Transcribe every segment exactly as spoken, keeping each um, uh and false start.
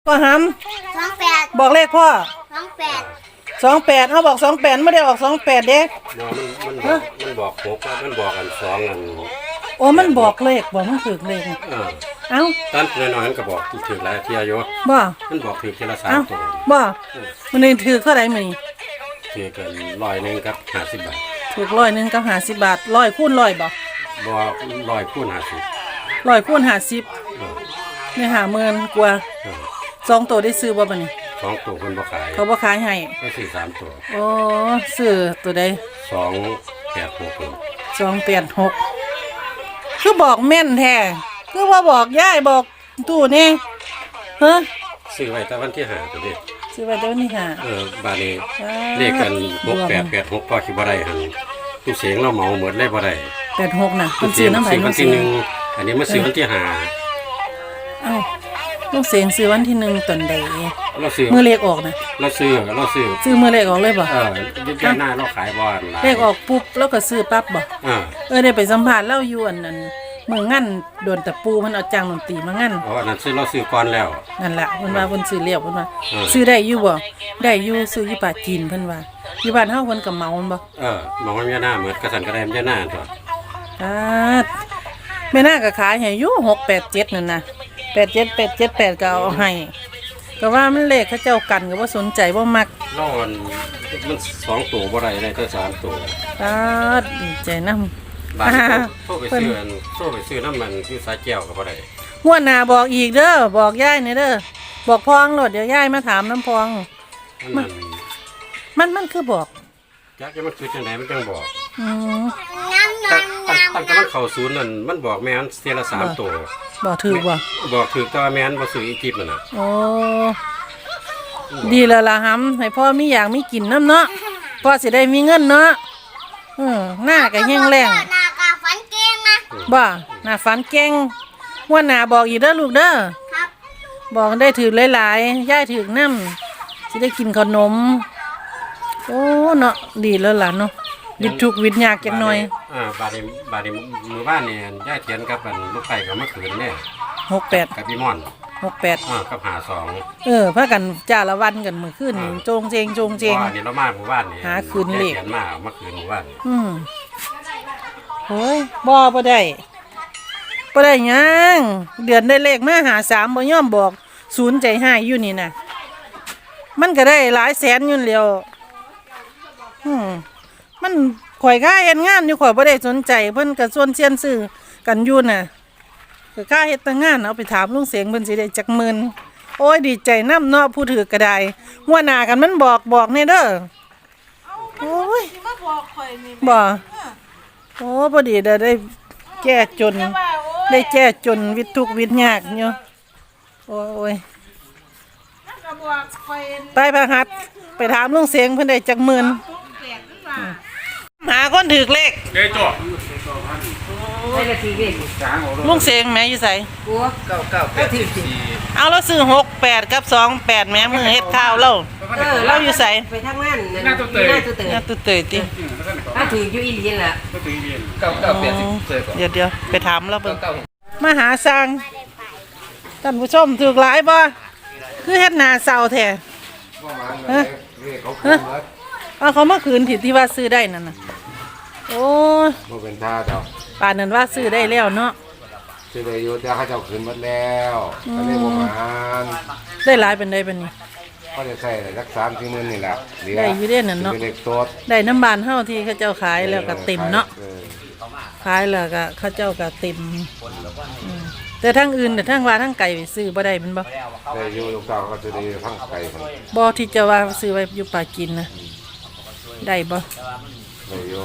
ก็หสองแปดำบอกเลขพ่อสองแปดสองแปดเขาบอกสองแปดไม่ได้ออกสองแปดเด้มันมันบอกมันบอกหกมันบอกกันสองอันโอ้มันบอกเลขบอกมันถือเลขเออเอ้าตอนน้อยๆมันก็บอกถือหลายเที่ยอยู่บ่มันบอกถือทีละสามเอ้าตัวบ่มันนี่ถือเท่าไหร่มื้อนี้ถือกันร้อยหนึ่งกับห้าสิบบาทถือร้อยหนึ่งกับห้าสิบบาทร้อยคูณร้อยบ่บอกร้อยคูณห้าสิบร้อยคูณห้าสิบนี่ห้าหมื่นกว่าสองตัวได้ซื้อบ่บัดนี้สองตัวคนบ่ขายเขาบ่ขายให้ก็ซื้อสามตัวโอ้ซื้อตัวใดสองแปดหกสองแปดหกคือบอกแม่นแท้คือว่าบอกย่ายบอกตู้นี่ฮะซื้อไว้แต่วันที่ห้าตัวนี้ซื้อไว้แต่วันที่ห้าเออบาดนี้เลขกันหกแปดแปดหกพอคิดบ่ได้หั่นผู้เสียงเราเหมาหมดเลยบ่ได้แปดหกน่ะคุณซื้อน้ำไผ่วันที่หนึ่งอันนี้มาซื้อวันที่ห้าเอ้าลูกเสียงซื้อวันที่หนึ่งตอนใดเราซื้อมือเลขออกนะเราซื้อเราซื้อซื้อมือเลขออกเลยบ่เออยึดหน้าเราขายบอลเลขออกปุ๊บแล้วก็ซื้อปั๊บบ่เออเออได้ไปสัมภาษณ์เล่าอยู่อันนั้นมืองั้นโดนตะปูมันเอาจ้างดนตรีมางั้นอ๋อนั่นซื้อเราซื้อก่อนแล้วนั่นแหละเพิ่นว่าเพิ่นซื้อเลี้ยวเพิ่นว่าซื้อได้อยู่บ่ได้อยู่ซื้ออยู่ป่าจีนเพิ่นว่าอยู่บ้านเฮาเพิ่นก็เมาบ่เออมองว่าแม่หน้าเหมือนกระสันกระแดมแม่หน้าตัวอ่าแม่หน้าก็ขายให้อยู่หก แปด เจ็ดนั่นน่ะแปด เจ็ด แปด เจ็ด แปดก็เอาให้ก็ว่ามันเลขเขาเจ้ากันก็บ่สนใจบ่มักร้อนมันสองตัวบ่ได้ได้แต่สามตัวอ่าดีใจนำบ้านโทรไปซื้อโทรไปซื้อน้ำมันคือสายแก้วก็บ่ได้งวดหน้าบอกอีกเด้อบอกยายนี่เด้อบอกพองโลดเดี๋ยวยายมาถามน้ำพองมันมันมันคือบอกจักจะมันคือจังได๋มันจังบอกอือตั้งตั้งแต่มันเข้าศูนย์นั่นมันบอกแม่นเทียละสามตัวบอกถูกบ่บอกถูกแต่ว่าแม่นบ่ซื้ออีจิปนั่นน่ะโอ้ดีแล้วล่ะหำให้พ่อมีอย่างมีกินน้ำเนาะพ่อสิได้มีเงินเนาะอือหน้าก็แห้งแล้งหน้าก็ฝันเก่งนะบ่หน้าฝันเก่งงวดหน้าบอกอีกเด้อลูกเด้อครับบอกได้ถือหลายๆย่ายถือน้ำสิได้กินขนมโอ้เนาะดีแล้วล่ะเนาะวิดทุกวิดยากจังหน่อยอ่าบาดนี้บาดนี้มื้อบ้านนี่ย่าเขียนกับอันลูกไผ่ก็มาคืนแน่หก แปดกับพี่ม่อนหก แปดอ่ากับห้าสองเออพากันจ้าละวันกันมื้อคืนนี่โจงเจงโจงเจงว่านี่เรามาหมู่บ้านนี่หาคืนเลขเขียนมามาคืนหมู่บ้านอืมโหยบ่บ่ได้บ่ได้หยังเดือนได้เลขมาหาสามบ่ยอมบอกศูนย์ใจหายอยู่นี่น่ะมันก็ได้หลายแสนอยู่แล้วอืมมันข่อยค่าเฮ็ดงานอยู่ข่อยบ่ได้สนใจเพิ่นก็ส่วนเซียนซื้อกันอยู่น่ะก็ค่าเฮ็ดแต่งานเอาไปถามลุงเสียงเพิ่นสิได้จักหมื่นโอ้ยดีใจนำเนาะผู้ถือก็ได้หัวหน้ากันมันบอกบอกแน่เด้อโอ้ยมาบอกข่อยนี่บ่โอ้พอดีได้ได้แก้จนได้แก้จนวิตทุกวิตยากอยู่โอ้ยไปพะหัดไปถามลุงเสียงเพิ่นได้จักหมื่นหาคนถือเลขเด้จ่อลุงเสียงแม่อยู่ไสบัวเก้าเก้าแปดสิบสี่เอาเราซื้อหก แปดกับสอง แปดแม่มือเฮ็ดข้าวเราเออเราอยู่ไสไปทำงานหน้าตุ๊เตยหน้าตุ๊เตยหน้าตุ๊เตยติถ้าถืออยู่อีหลีล่ะก็ถือเรียนเก้าเก้าแปดสิบเดี๋ยวเดี๋ยวไปถามเราเบิ่งมาหาสร้างท่านผู้ชมถูกหลายบ่คือเฮ็ดหน้าเศร้าแท้ฮะเอาเขามาคืนที่ที่ว่าซื้อได้นั่นน่ะโอ้บ่เป็นท่าเจ้าป่านนั้นว่าซื้อได้แล้วเนาะซื้อได้อยู่แต่เขาเจ้าคืนหมดแล้วก็เลยบ่มานได้หลายเป็นได้เป็นนี่ก็จะใช้สัก สามถึงสี่หมื่นนี่แหละได้อยู่เด้นั่นเนาะได้น้ำบานเฮาที่เขาเจ้าขายแล้วก็เต็มเนาะขายแล้วก็เขาเจ้าก็เต็มแต่ทั้งอื่นแต่ทั้งว่าทั้งไก่ซื้อบ่ได้มันบ่ได้อยู่ลูกสาวก็จะได้ทั้งไก่บ่ที่จะว่าซื้อไว้อยู่ป่ากินนะได้บ่ได้อยู่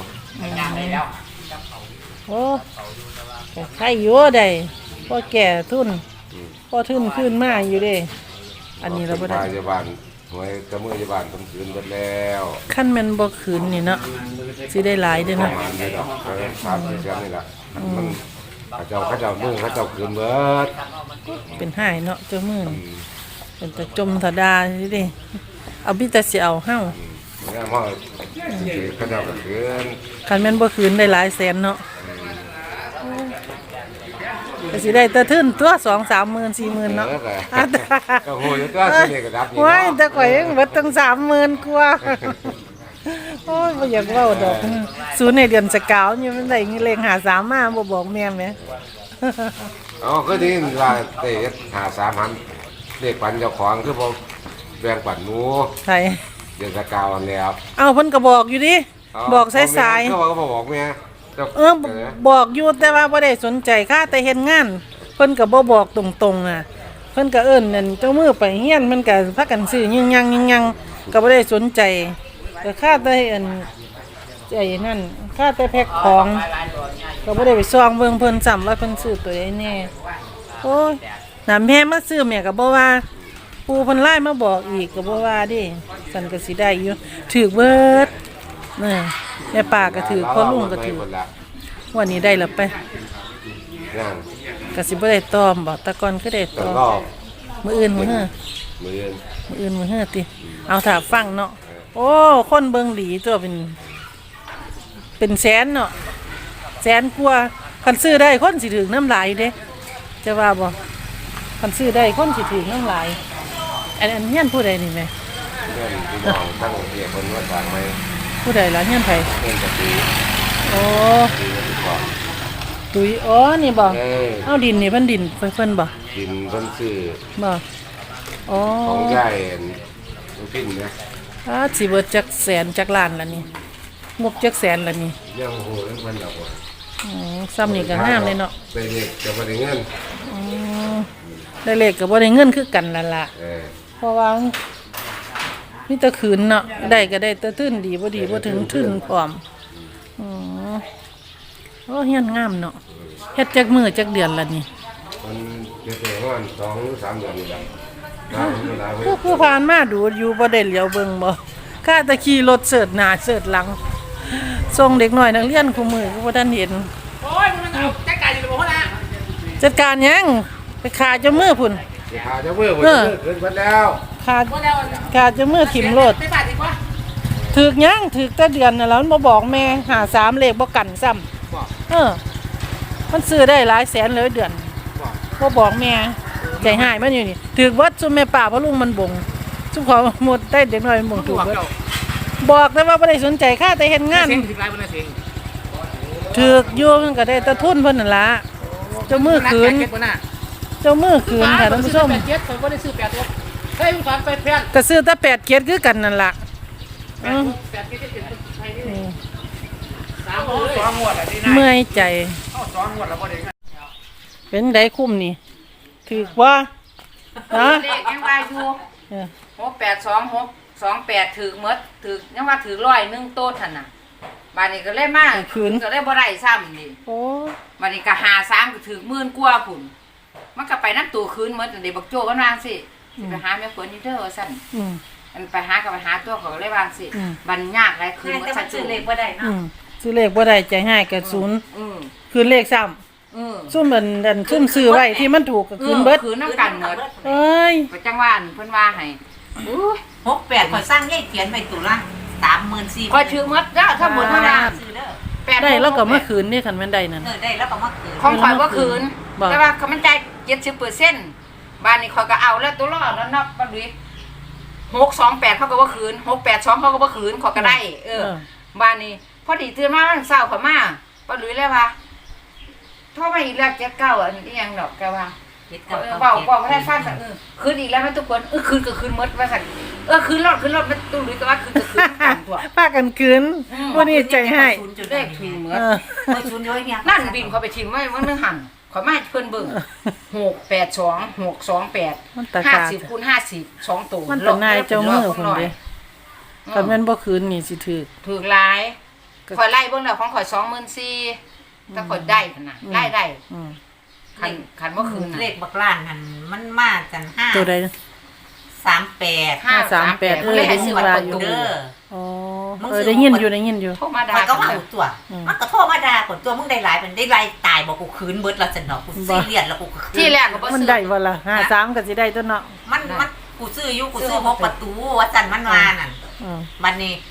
โอ้ใครอยู่ได้พอแก่ทุนพอทุนขึ้นมาอยู่เด้อันนี้เราบ่ได้พยาบาลหน่วยกระมือยาบาลคนคืนหมดแล้วขั้นมันบ่คืนนี่เนาะสิได้หลายเด้อเนาะประมาณนี้ดอกสามสิบเดือนนี่ล่ะมันเขาเจ้าเขาเจ้ามือเขาเจ้าคืนเบิดเป็นหายเนาะเจ้ามือเป็นตะจมตะดาสิเด้เอาบิแต่สิเอาเฮาเนี่ยพ่อเขาเจ้าก็คืนคันแม่นบ่คืนได้หลายแสนเนาะก็สิได้แตะทึนตัวสองสามหมื่นสี่หมื่นเนาะเออก็อ่ะแต่ก็โหอยู่ตัวสิเลขก็ดับนี่โอ้ยเนาะแต่ข่อยยังเบิดตั้งสามหมื่นกว่าโอ้ยบ่อยากเว้าดอกศูนย์ในเดือนสกาวอยู่มันได้เลขหาสามมาบ่บอกแม่แม่อ๋อก็ที่ว่าเตะหาสามพันเลขปันเจ้าของคือบ่แบ่งปันหนูไผเดือนสกาวอันแล้วเอ้าเพิ่นก็บอกอยู่ดิบอกสายก็บอกก็บอกแม่จ้าๆเออบอกอยู่แต่ว่าบ่ได้สนใจค่าแต่เฮ็ดงาน เพิ่นก็บ่บอกตรงๆน่ะเพิ่นก็เอิ้นนั่นเจ้ามือไปเฮียนมันก็พากันซื้อยิงยังยิงยังก็บ่ได้สนใจก็ค่าแต่อันไอ้นั่นค่าแต่แพ็คของก็บ่ได้ไปซ่องเบิ่งเพิ่นซ้ำว่าเพิ่นซื้อตัวใดแน่โอ้ยน่ะแม่มาซื้อแม่ก็บ่ว่าปู่เพิ่นไลน์มาบอกอีกก็บ่ว่าเดิสั่นก็สิได้อยู่ถูกเบิดนี่แม่ป้าก็ถือพ่อลุงก็ถือวันนี้ได้แล้วไปนั่งก็สิบ่ได้ตอมบ่แต่ก่อนคือได้ตต้ออง มรอบมื้ออื่นมื้อเฮ้อมือเย็นมื้ออื่นมื้อเฮ้อติเอาถ้าฟังเนาะโอ้คนเบิ่งหลีตัวเป็น เป็นแสนเนาะแสนกว่าคันซื้อได้คนสิถึงน้ำลายเด้จะว่าบ่คันซื้อได้คนสิถึงน้ำลายอันอันเฮียนผู้ใดนี่แม่เพื่อนพี่น้องตั้งเรียกคนว่าต่างไหมผู้ใดล่ะเฮียนไผเพื่อนจะตีโอ้ตีกันดีกว่าตุยอ๋อนี่บ่เออเอาดินนี่เพิ่นดินเพิ่นบ่กินเพิ่นซื้อบ่อ๋อของใหญ่ลูกพิ้นนะอ่าสิเบิดจักแสนจักล้านละนี่งบจักแสนละนี่ยังโหเรื่องเพิ่นดอกว่าอืมซ้ำนี่ก็งามเลยเนาะไปเด็กจะบ่ได้เงินอืมได้เลขก็บ่ได้เงินคือกันนั่นล่ะเออเพราะว่ามีแต่คืนเนาะได้ก็ได้แต่ทื่นดีบ่ดีบ่ถึงทื่นพร้อมอือโอ้เฮียนงามเนาะเฮ็ดจักมื้อจักเดือนละนี่มันจะเป็นประมาณสองหรือสามเดือนนี่แหละน้ำเวลาไว้ผู้ผู้ผ่านมาดูอยู่บ่ได้เหลียวเบิ่งบ่ข้าแตะขี่รถเสิร์ชหน้าเสิร์ชหลังส่งเด็กน้อยนักเรียนคู่มือก็บ่ทันเห็นโอ้ยมันเอาจัดการอยู่กับพ่อนะจัดการหยังไปขาเจ้ามือพุ่นเดี๋ยวหาเจะเมื่อวันเออเกินวันแล้วขาขาเจ้ามือถิ่มรถไม่บาดดีกว่าถึกหยังถึกแต่เดือนน่ะแล้วมันบ่บอกแม่หาสามเลขบ่กันซ้ำเออ มันซื้อได้หลายแสนเลยเดือนบ่บอกแม่ใจหายมันอยู่นี่ถึกเบิดซุมแม่ป้าพ่อลุงมันบ่งซุมขอหมดได้เด็กน้อยมันบ่งถูกเบิดบอกแต่ว่าบ่ได้สนใจค่าแต่เฮ็ดงานเสียงถึงไรบนเสียงถึกอยู่มันก็ได้แต่ทุนเพิ่นนั่นล่ะเจ้ามือคืนเก็บหน้าเจ้ามือคืนค่ะท่านผู้ชมแปดเจ็ดผมก็ได้ซื้อแปดตัวเฮ้ยมึงฝันไปเพี้ยนก็ซื้อแต่แปดเกียรติคือกันนั่นล่ะแปอืดอแปดเจ็ดเจ็ดไทยนี่อืมสามสองงวดอ่ะดีนะเมื่อยใจเข้าสองงวดแล้วก็ได้เป็นไดคุ้มนี่ถึกว่าฮะเลขยังว่าอยู่เออหกแปดสองหกสองแปดถือหมดถือยังว่าถือร้อยหนึ่งโต๊ะท่านน่ะบานนี้ก็เลยมาก็เลยบ่ได้ซ้ำนี่โอ้บานนี้ก็หาสามก็ถือหมื่นกว่าพุ่นมันก็ไปนั่นตัวคืนหมดเดี๋ยวบักโจ้ก็วางสิสิไปหาแม่ฝนนี่เด้อว่าซั่นอืมอันไปหาก็ไปหาตัวเขาก็เลยวางสิอืมบันยากหลายคืนหมดซะจุเลขบ่ได้อืมซื้อเลขบ่ได้ใจให้กับศูนย์อือคืนเลขซ้ำอือซุ่มเหมือนดันซุ่มซื้อไว้ที่มันถูกก็คืนเบิดคืนน้ำกันหมดเอ้ยก็จังว่าอันเพิ่นว่าให้อู้หกแปดขอยสร้างแยกเขียนไปตุละสามหมื่นสี่คอยถือหมดเด้อทั้งหมดเท่านั้นซื้อเด้อแปดได้แล้วก็มาคืนนี่คันแม่นได้นั่นเออได้แล้วก็มาคืนของข่อยว่าคืนบอกแต่ว่าเขามันจ่ายเจ็ดสิบเปอร์เซ็นต์บ้านนี้ข่อยก็เอาแล้วตัวรอดแล้วนับบ้านดุยหกสองแปดเขาก็ว่าคืนหกแปดสองเขาก็ว่าคืนข่อยก็ได้ เออ บ้านนี้พอดีตื่นมาวันเสาร์ข่อยมาป้าดุยเลยว่าโทรมาอีกแล้วเจ็ดเก้าอันนี้ยังดอกแกว่าเฮ็ดเอกับอกับเบาเบาไม่ได้ฟังสักเออคืนอีกแล้วไหมทุกคนเออคืนก็คืนหมดว่าสักเออคืนรอดคืนรอดมันตุ้ดุยก็ว่าคืนก็คืนกันตัวป้ากันคืนวันนี้ใจให้เลขถูกเหมือเอน อเออชุนย้อยเนี่ยนั่นบินเขาไปทิมไว้ว่านึงหันขอมาให้เพิ่นเบิ่งหกแปดสองหกสองแปดมันตะห้ากาสิบคูณห้าสิบสองตัวมันเป็นนายเจ้ามือพุ่นเด้คันแม่นบ่คืนนี่สิถูกถูกหลายข่อยไล่เบิ่งแล้วของข่อยสองหมื่นสี่ถ้าข่อยได้ขนาดได้ได้อืมคันคันบ่คืนเลน่ะขบักล้านหันมันมากันห้าตัวใดสามแปดห้าสามแปดเออเลยให้ซื้อมาได้เปิดยินตู้เด้ออ๋อเออได้ยินอยู่ได้ยินอยู่โทรมาด่ามันก็กัว่าน หูตัว มันก็โทรมาด่าผลตัวมึงได้หลายมันได้ไล่ตายบอกกูคืนเบิดแล้วจันเนาะกูซีเรียสแล้วกูคืนที่แรกก็บ่มันซื้อได้บ่ล่ะห้าสามก็สิได้ตัวเนาะมันมันกูซื้ออยู่กูซื้อหกประตูว่าจันมันมานั่นอืมบัดนี้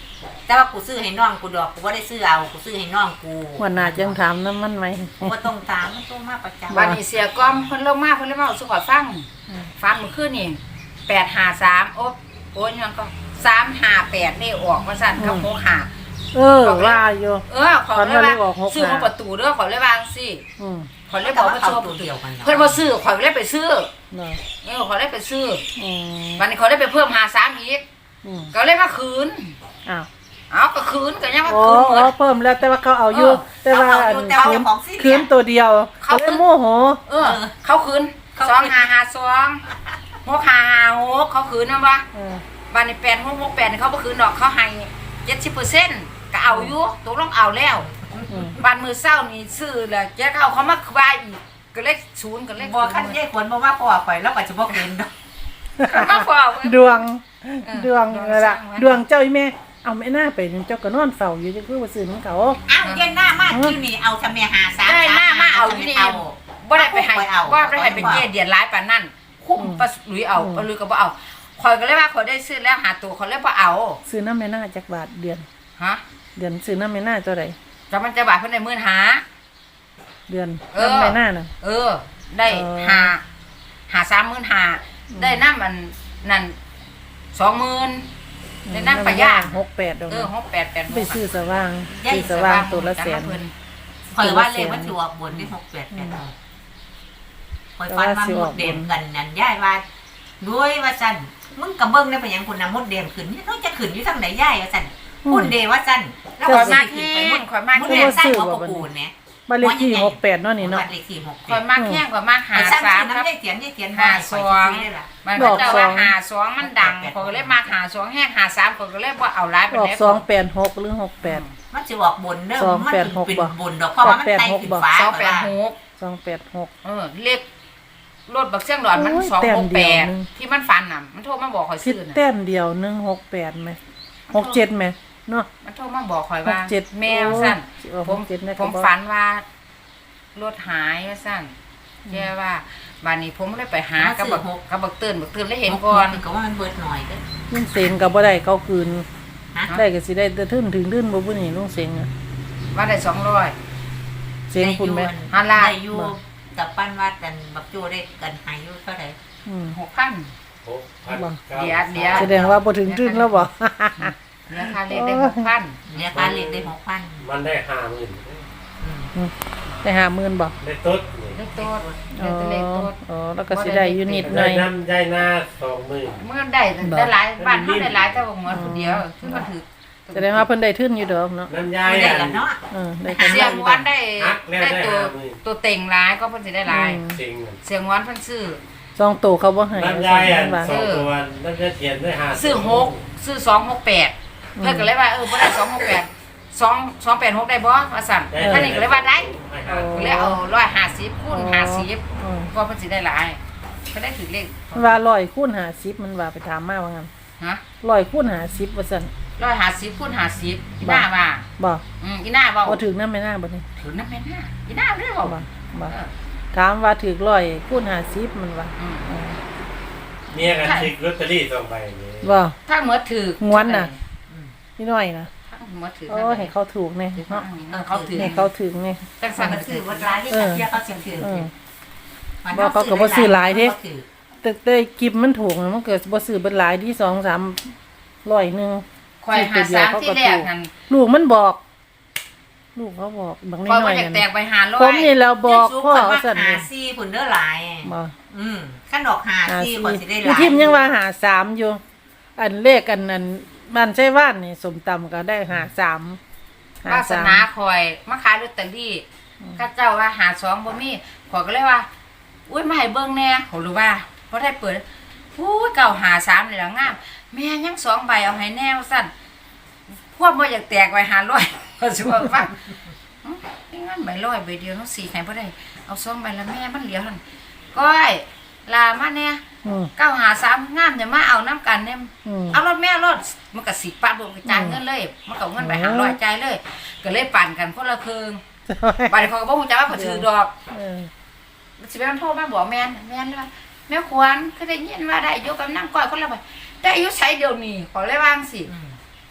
แต่ว่ากูซื้อให้น้องกูดอกกูบ่ได้ซื้อเอากูซื้อให้น้องกูวันหน้าจังถามน้ำมันไหมกูบ่ต้องตามมันต้องมาประจำบ้านนี้เสียก้อมเพิ่นลงมาเพิ่นเลยมาเอาสุขอฟังฟังมื้อคืนนี่แปดห้าสามโอ๊บโอ้ยยังก็สามห้าแปดนี่ออกว่าซั่นกับหกห้าเออว่าอยู่เออขอเลยว่าฝันว่าเลขออกหกห้าซื้อของประตูเด้อขอเลยว่าจังซี่อืมขอเลยบอกว่าชอบตัวเดียวกันเพิ่นบ่ซื้อขอยเลยไปซื้อเนาะเออขอยเลยไปซื้ออืมวันนี้ขอยเลยไปเพิ่มห้าสามอีกอืมก็เลยมาคืนอ้าวเอาก็คืนก็ยังมาอ๋อคืนหมอ๋อดเพิ่มแล้วแต่ว่าเขาเอาอยู่เออแต่ว่าอันแต่ว่าคืนของซีคืนตัวเดียวเขาก็เลยโมโหเออ เขาคืนสองห้าห้าสองหกห้าห้าหกเขาคืนนะวะเออวันนี้แปดหกหกแปดเขาบ่คืนดอกเขาให้เจ็ดสิบเปอร์เซ็นต์ก็เอาอยู่ตกลงเอาแล้วอืมวันมือเศร้านี่ซื้อแล้วเจ๊เขาเขามาควายอีกก็เลขศูนย์ก็เลขบ่คันยายควรบ่มาพ่อข่อยแล้วก็จะบ่คืนดอกมาฟอกดวงเออดวงดวงนั่นล่ะสร้างไว้ดวงเจ้าอีแม่เอาแม่หน้าไปเจ้าก็นอนเฝ้าอยู่จังคือว่าซื้อของเขาอ้าวเย็นหน้ามากที่นี่เอาทำเมียหาสามได้หน้ามาเอาอยู่นี่เอาบ่ได้ไปให้เอาบ่ได้ให้เป็นเจ๊เดียดร้ายปานนั้นคุ้มปะหลุยเอาปะหลุยก็บ่เอาคอยก็เลยว่าคอยได้ซื้อแล้วหาตัวคอยเลยบ่เอาซื้อน้ำแม่หน้าจักบาทเดือนฮะเดือนซื้อน้ำแม่หน้าเท่าไหร่จะมันจะบาทเพิ่นได้หมื่นหาเดือนเออน้ำแม่หน้าน่ะเออ ได้เออหาหาสามหมื่นหาได้น้ำมันนั่นสองหมื่นได้น้ำปลาย่างหกแปดดอกเออหกแปดแปดหกไปซื้อสว่างย่าซื้อสว่างตัวละแสนข่อยว่าเลขมันสิออกบนที่หกแปดแปดข่อยฟันมาหมดเด่มกันนั่นย่ายว่าด้วยว่าซั่นมึงก็เบิ่งได้ไปหยังคนน่ะมดเด่มขึ้นนี่เขาจะขึ้นอยู่ทางไหนย่ายว่าซั่นคุณเดว่าซั่นแล้วข่ก็อยมามากขึ้นแห้ไปหมงดข่อยมากมดแห้เด่งมใส่หัวปะปูนเนี่ยบ้านเลขที่หกแปดเนาะนี่เนาะบ้านเลขที่หกแปข่อยดมากแห้งข่อยมากหาไอ้ซ้ำสามน้ำครับได้เขียนได้เขียนหาว่าสข่อยองซื้อได้ล่ะมันก็จะว่าหาสองมันดังข่อยก็เลยมาหาสองแห้งหาสามข่อยก็เลยบ่เอาหลายไปออกแล้วสองแปดหกหรือหกแปดมันจะออกบนเด้อสองมันแปดหกเป็นบ่บนดอกเพราะว่ามันไต่ขึ้นฟ้าสองแปดหกสองแปดหกเออเลขรถบักเสียงหลอดมันโอ้ยสองแต้หมกเดีแปยวดนึงที่มันฟันน่ะมันโทรมาบอกข่อยคิดซื้อน่ะแต้มเดียวหนึ่งหกแปดไหมหกเจ็ดไหมเนาะมันโทรมาบอกข่อยว่าหกเจ็ดแมวสั้นโอ้ผมหกเจ็ดนะผมครับฝันว่ารถหายว่าสั้นแย่ว่าบานนี้ผมเลยไปหากับบักกับบักเตือนบักเตือนเลยเห็นก่อนก็ว่ามันเบิดหน่อยเด้อลุงเสงกับบ่ได้เขาคืนฮะได้ก็สิได้แต่ทึ่นถึงทึ่นบ่ผู้นี่ลุงเสงอะว่าได้สองร้อยเสงคุณไหมฮัลโหลได้อยู่กับปั้นวัดกันบักโจได้กันหายอยู่เท่าไหร่อืมหกพันหกพันบ่เดี๋ยวเดี๋ยวแสดงว่าบ่ถึงทึ่นแล้วบ่เนื้อค่าเลขได้หกพันเนี่ยการเรียนได้หกพันมันได้ห้าหมื่นได้ห้าหมื่นบ่ได้ตุ๊ดนี่เลขโต๊ดอ๋เลอขโต๊ดอ๋อแล้วก็สิได้อยู่นิดหน่ได้อยน้ำได้หน้าสองหมื่นเมื่อได้ได้หลายบ้านเขาได้หลายแต่ว่าเหมือนคนเดียวซึ่งก็ถือแสดงว่าเพิ่นได้ทึ่นอยู่ดอกเนาะน้ำยายไม่ได้อักันนเนาะเออได้กันเสียงวันได้ฮักแล้วได้ได้ตัวห้าหมื่นตัวเต็งร้ายก็เพิ่นสิได้หลายจริงมันเสียงวันเพิ่นซื้อซองโตเขาบ่ให้น้ำยายอันว่าสองตัวน้ำยายเทียนได้ห้าซื้อหกซื้อสองหกแปดเพื่อนก็เลยว่าเออบ่ได้สองหกแปดสองสองแปดหกได้บ่ว่าสั่นท่านนี่ก็เลยว่าได้ให้ห้าก็เลยเอาร้อยห้าสิบคูณห้าสิบอืมก็เพิ่นสิได้หลายก็ได้ถือเลขมันว่าร้อยคูณห้าสิบมันว่าไปถามมาว่างั้นฮะร้อยคูณห้าสิบว่าซั่นร้อยห้าสิบคูณห้าสิบอีหน้าว่าบ่อืมอีหน้าเว้าบ่ถึงนำแม่นางบ่นี่ถือน้ำแม่หน้าอีหน้าเด้อเว้าบ่บ่เออถามว่าถึกร้อยคูณห้าสิบมันว่าอืมอืมเมียกันชิกลอตเตอรี่สองใบนี้บ่ถ้าเหมือนถืองวนน่ะ นี่น้อยนะถ้าเหมือนถือโอ้ให้เขาถูกแน่เนาะเออเขาถือให้เขาถึงแน่จังซั่นมันก็คืถืออวัว่าดร้ายที่สักเที่ยเขาเสียงถือเออ บ่เขาก็บ่ซื้อหลายเด้ แต่แต่กิบมันถูกน่ะมันเกิดบ่ซื้อเบิดหลายที่สองสามร้อยหนึงข่อยหาสามที่แรกนั่นลูกมันบอก ลูกเขาบอกบางนิดข่อยหน่บ่อยอยากแตนั่กนไปหาร้อผมยนี่แล้วบอกพ่อสั่สั่นหานี่ซี่ผุนเด้อหลายบ่อืมขั้นดอกหาหาซี่สี่คนสิได้หพี่ลายทิมยังว่าหาสามอยู่ อันเลขอันนั้นบ้านใช่ว่านนี่สมตำก็ได้หาสามหาวาสสามนาข่อยมาขายลอตเตอรี่ข้าเจ้าว่าหาสองบ่มีข่อยก็เลยว่า อุ้ยมาให้เบิ่งแหน่เขารู้ว่าบ่ได้เปิดอู้ยเก่าหาสามนี่ล่ะงามแม่ยังสองใบเอาให้แน่ว่าซั่นพวกบ่อยากแตกไว้หาร้อยก็สิว่าฟังอื้อนี่งั้นใบร้อยใบเดียวเนาะสี่ให้บ่ได้เอาสองใบละแม่มันเหลียวหั่นก้อยลามาแน่อืมเก้าหาสามงามอย่ามาเอาน้ำกันเนี่ยอืมเอารถแม่รถมันก็สิบปันบ่กระจายเงินเลย มันก็เอาเงินไปหาร้อยใจายเลย ก็เลยปั่นกันคนละครึ่งบัดนี้เขาก็บ่ฮู้จักว่าเขาถือดอกเออสิไปมันโทรมาบอกแม่นแม่นเลยว่าแม่ควรคือได้ยินว่าได้อยู่กับนางก้อยคนละใบได้อายุใช้เดี๋ยวนี้ขอเลยวาจั่งสิ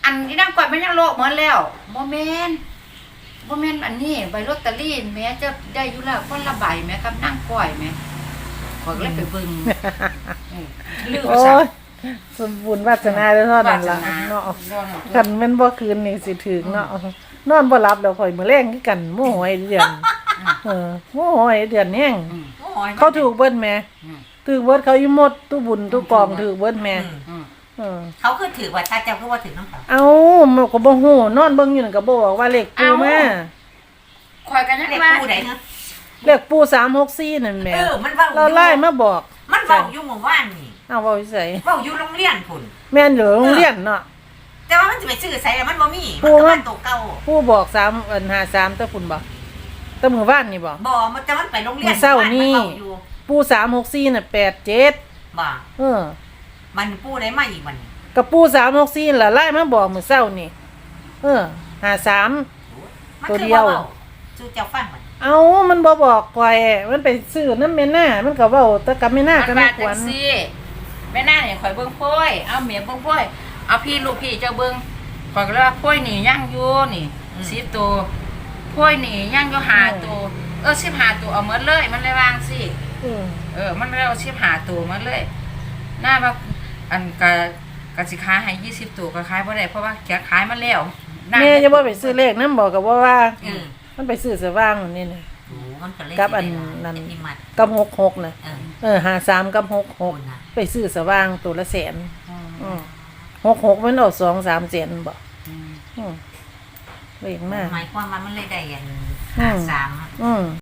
อันอีนางก้อยมันยังโลกเหมือนแล้วบ่แม่นบ่แม่นอันนี้ใบลอตเตอรี่แม้จะได้อยู่แล้วคนละใบแม่กับนางก้อยแม่ข่อยก็เลยไปเบิ่งเออลืมโอ้ซะยสมบูรณ์วาสนาเด้อเท่านั้นล่ะวาสนาเนาะเนาะคันแม่นบ่คืนนี่สิถึงเนาะนอนบ่หลับแล้วข่อยมื้อแลงคือกันโมโหไอ้เดือนเออโมโหไอ้เดือนแฮงอืมโอ้ยเขาถูกเบิ้นแม่อืมถูกเบิ้นเขาอีหมดตู้บุญตู้กองถูกเบิ้นแม่อืมอืมเออเขาคือถือว่าถ้าเจ้าคือว่าถือน้ำเขาเอามันก็บ่ฮู้นอนเบิ่งอยู่นั่นก็บ่บอกว่าเลขปูมาข่อยก็ยังเรียกว่าผู้ใดเนาะเลขปูสามหกสี่นั่นแหม่เออมันเว้าเราไล่มาบอกมันเว้าอยู่หมู่บ้านนี่เอาเว้าอยู่ไสเว้าอยู่โรงเรียนพุ่นแม่นอยู่โรงเรียนเนาะแต่ว่ามันจะไปซื้อใส่แล้วมันบ่มีผู้มันก็ว่ามันตัวเก่าผู้บอกสามอันห้าสามแต่พุ่นบ่แต่มื้อวานนี่บ่บ่มันแต่มันไปโรงเรียนมื้อเช้านี่มัเว้าอยู่ปูสามหกสี่น่ะแปดเจ็ดบ่เออมันผู้ใดมาอีกบัดนี้กับปูสามหกสี่ล่ะไล่มาบอกมื้อเช้านี่เออห้าสามมันตัวคือเดียวว้าสู้เจ้าฟังบัดเอามันบ่บอกข่อยมันไปซื้อน้ำแม่น่ามันก็เว้าแต่กับแม่น่ามัก็นไม่ว่าคจัวงรซี่แม่นางเนี่ยข่อยเบิ่งโพยเอาเมียเบิ่งโพยเอาพี่ลูกพี่เจ้าเบิ่งข่อยก็เลยว่าโพยนี่ยังอยู่นี่สิบตัวโพยนี่ยังอยู่ห้าตัวเออสิบห้าตัวเอาหมดเลยมันเลยวางสิอืมเออ มันเลยเอาสิบห้าตัวมาเลย หน้าว่าอันกะกะสิขายให้ยี่สิบตัวก็ขายบ่ได้เพราะว่าแกขายมาแล้วหน้าแม่จะบ่ไปซื้อเลขนำบอกกับว่าว่าเออมันไปซื้อสว่างนี่น่ะโอ้มันก็เลยกับอันสิได้นั้นเป็นนิมัดกับหกหกน่ะเออเออห้าสามกับหกหกโอ้น่ะไปซื้อสว่างตัวละแสนอืมอืมหกหกมันออกสองสามแสนบ่อืมอืมเลขมากหมายความว่ามันเลยได้อันอืมสามอืม